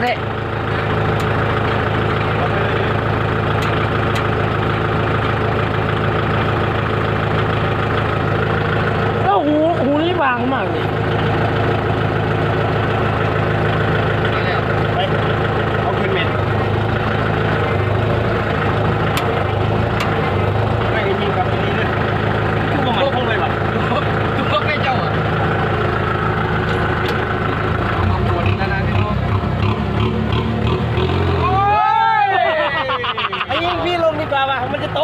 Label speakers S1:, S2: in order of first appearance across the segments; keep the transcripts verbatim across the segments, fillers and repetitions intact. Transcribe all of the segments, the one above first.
S1: เลยแล้วหูหูนี่บางมากเลย
S2: ไปเอาขึ้นเม็ดไม่มีกับตัวนี้เลยทุกคนทุกเลยแบบทุกคนไม่เจ้าอ่ะเอาตัวนี้แล้วนะพี่น้องโอ้ยไอ้ยิ่งพี่ลงดีกว่าว่ะมันจะตก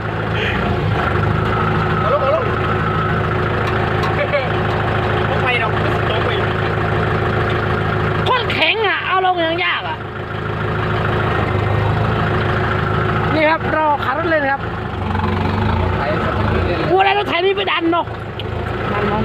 S2: เอาลงเอาลงไม่หรอกตกไป
S1: คนแข็งอ่ะเอาลงยังยากอ่ะนี่ครับรอขับรถเลยนะครับกูอะไรรถไถนี่ไปดันเนาะดันมัน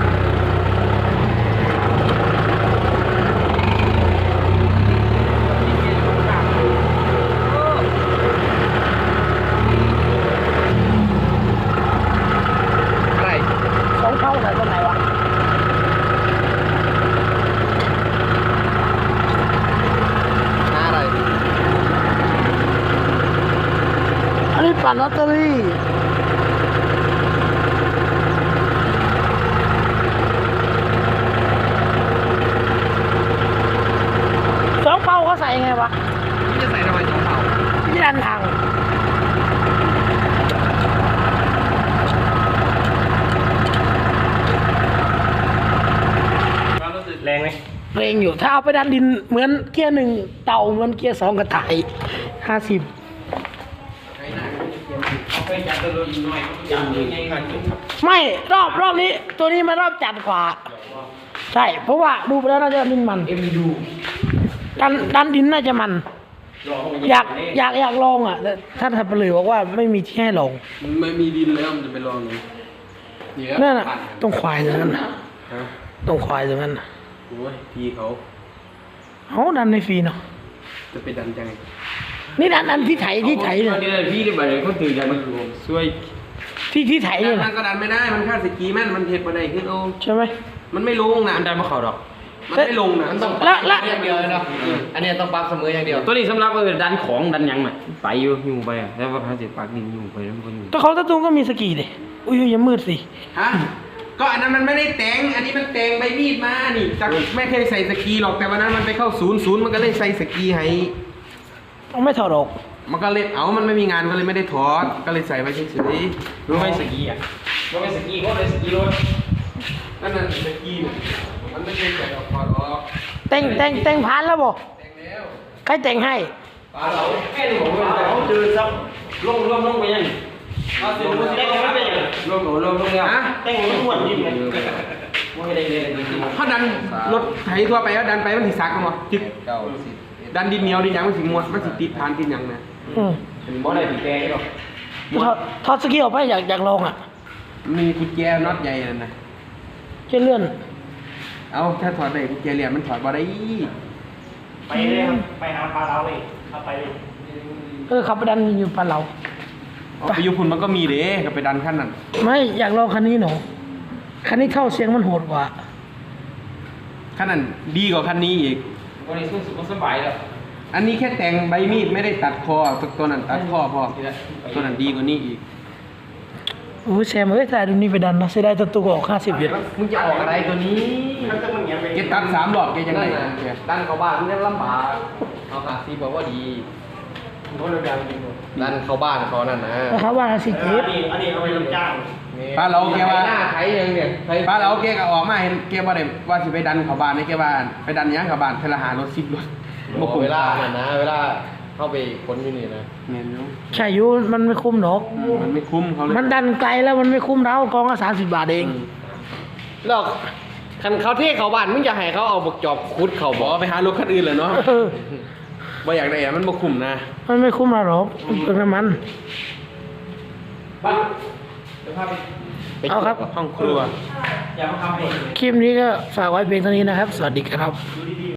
S2: อะไร
S1: สองเท่าใส่ตรงไหนวะ
S2: อะไร
S1: อันนี้ปั่นลอตเตอรี่สองเป้าเขาใส่ไงวะ
S2: พี่จะใส่ทำไมสองเผา
S1: ที่ดันทาง
S2: ความรู้สึกแรงไหม
S1: เร่งอยู่ถ้าเอาไปดันดินเหมือนเกียร์หนึ่งเต่าเหมือนเกียร์สองกระต่ายห้าสิบ
S2: ไปจัดตัวรถหน่อยจัดยังไงกันครับ
S1: ไม่รอบรอบนี้ ตัวนี้มันรอบจัดกว่าใช่เพราะว่าดูไปแล้วน่าจะดินมัน
S2: เอ็มยู
S1: ดันดันดินน่าจะมัน อยากอยากอยากลองอ่ะแต่ท่านทัพเลยบอกว่าไม่มีที่ให้ลอง
S2: มันไม่มีดินแล้วมันจะไปลองไง
S1: นั่นน่ะต้องควายตรงนั้นน่ะต้องควายตรงนั้นน่ะ
S2: โอ้ยพี่เขา
S1: เขาดันในฟรีเนาะ
S2: จะไปดันจัง
S1: นี่ดันดันที่ไถที่ไถเนี่ย
S2: นี่พี่ได้ไปเลยเขาถือดันมันช่วย
S1: ที่ที่ไถเนี่ย
S2: ดั
S1: นะ
S2: นก็ดันไม่ได้มันคาดสกีแม่นมันเทปมาได้ขึ้นโอ้
S1: ใช่ไหม
S2: มันไม่ลงนะมันดันมาเข่าดอกมันไม่ลงนะมันต้อง
S1: ละละ
S3: อย่างเดียวเลยเนาะอันนี้ต้องปรับเสมออย่างเดียว
S2: ตัวนี้สำหรับเออดันของดันยังไงไปอยู่อยู่ไปอ่ะแล้วว่าพาเสร็จปากดินอยู่ไปแล้วมันก็อยู่
S1: แต่เขาตะตุงก็มีสกีดิอุ้ยอย่ามืดสิ
S2: ฮะก็อันนั้นมันไม่ได้แต่งอันนี้มันแต่งใบมีดมานี่จากไม่เคยใส่สกีหรอกแต่วันนั้นมันไปเข้าศูนย์ศูนย์มันก็เลยใส่สกีให้
S1: ต้องไม่ถอดออก
S2: มันก็เลยเอามันไม่มีงานก็เลยไม่ได้ถอดก็เลยใส่ไว้เฉยๆรู้ไหมสกีอ่ะรู้ไหมสกีก็เลยสกีรถนั่นน่ะสกีเนี่ยมันไม่เคยใส่ออกถอดออก
S1: แต่งแต่งแต่งผ่านแล้วบ่
S2: แต่งแล้ว
S1: ใครแต่งให้
S2: ปลาเราแค่นี้ผมว่าเขาเจอซับลงลงลงไปยังเอาสิมันแต่งไม่เป็นยังลงลงลงลงแล้วแต่งมันอ้วนยิ่งเลยไม่ได้เลยเขาดันรถไถทั่วไปแล้วดันไปมันสิซักมั้งจึ๊ก
S3: เก้าสิบ
S2: ดันดินเหนียวดินหยังมันสิมวนมันสิติดทานดินหยังนะ
S1: อืม
S2: เป็นบ่ได้ติดแกหรอก
S1: ถอดถอดสกีออกไปอยากอยากลองอ่ะ
S2: มีกุญแจน็อตใหญ่นั่นนะ
S1: แค่เลื่อน
S2: เอาถ้าถอดได้กุญแจเหลี่ยมมันถอดบ่ได้
S4: ไปเลยครับ ไปหาปลาเราเลยเข้าไปเลย
S1: เออขับไปดันอยู่ปานเรา
S2: เอาไปอยู่พุ่นมันก็มีเด้ก็ไปดันขั้นนั้น
S1: ไม่อยากลองคันนี้หนูคันนี้เข้าเสียงมันโหดกว่า
S2: ขั้นนั้นดีกว่าคันนี้อีก
S3: วันนี้สู้สุขสบายแล้ว
S2: อันนี้แค่แต่งใบมีดไม่ได้ตัดคอตัวตัวนั้นตัดคอพอตัวนั้นดีกว่านี้อีก
S1: โอ้ยแซมเอ้ยแต่ดูนี่ไปดันนะเสียดายตัวตัวออกห้าสิบเอ็ด
S3: มึงจะออกอะไรตัวนี้
S4: ถ้าจะมึงเงี้ยไป
S2: แกตัดสามรอบแกยังไง
S3: นั่นน่ะดันเข้าบ้านมันจะลำบากเอาหาซีบอกว่าดี
S4: โน้ตเร็วๆจริง
S3: ดันเข้าบ้านเขานั่นนะ
S1: นะครับว่าห้าสิบ
S4: ๆเอ
S1: เอ็
S4: อ
S1: ด
S4: อันนี้อันนี้เอาไปรับจ้าง
S2: ป้าเราแกว่า
S3: หน้าไทยยังเนี่ยไทย
S2: ป้าเราแกก็ออกมาเห็นแกบ่ได้ว่าสิไปดันเขาบ้านนี่แกว่าไปดันหยังเขาบ้านเทละหารถสิบรถ
S3: บอกเวลาน่ะนะ เวลาเข้าไปค้นอยู่นี่นะ
S2: แม่นอยู่
S1: ใช่อยูมันไม่คุ้มหรอก
S2: มันไม่คุ้มเขาเลย
S1: มันดันไกลแล้วมันไม่คุ้มเรากองละสามสิบบาทเอง
S3: แล้วคันเขาเทเข้าบ้านมึงจะให้เขาเอาบกจอบคุดเขา
S2: บบ อ
S3: อก ก
S2: ไปหารถคันอื่นเลยเนาะ
S1: เออ
S2: บ่อยากได้อะมันบ่คุ้มนะ
S1: มันไม่คุ้มเราหรอกมันเปลืองน้ำมัน
S2: บ้านเดี๋ยวพาไป
S1: เอาครับ
S2: ห้องครัว
S4: อย่ามาทำเอง
S1: คลิปนี้ก็ฝากไว้เพียงเท่านี้นะครับ สวัสดีครับ
S4: ดูดีๆ